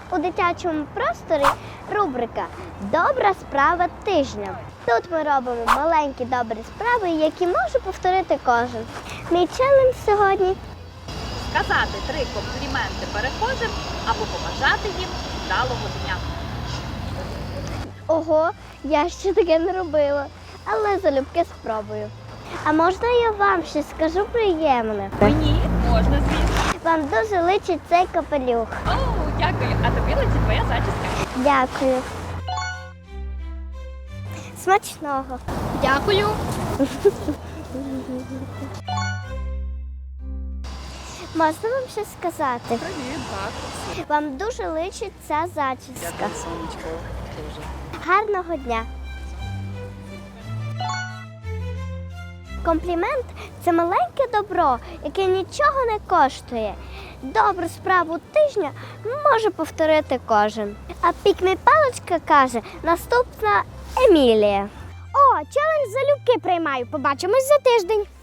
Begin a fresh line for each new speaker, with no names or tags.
У дитячому просторі рубрика «Добра справа тижня». Тут ми робимо маленькі добрі справи, які може повторити кожен. Мій челендж сьогодні –
Сказати 3 компліменти перехожим або побажати їм вдалого дня.
Ого, я ще таке не робила, але залюбки спробую. А можна я вам щось скажу приємне?
Мені можна, звісно.
Вам дуже личить цей капелюх.
О, дякую. А тобі летить твоя зачіска.
Дякую. Смачного.
Дякую.
Можна вам щось сказати?
Привіт, так.
Вам дуже личить ця зачіска.
Дякую, сонечко. Дуже.
Гарного дня. Комплімент – це маленьке добро, яке нічого не коштує. Добру справу тижня може повторити кожен. А пік-мій паличка каже наступна Емілія.
О, челендж залюбки приймаю. Побачимось за тиждень.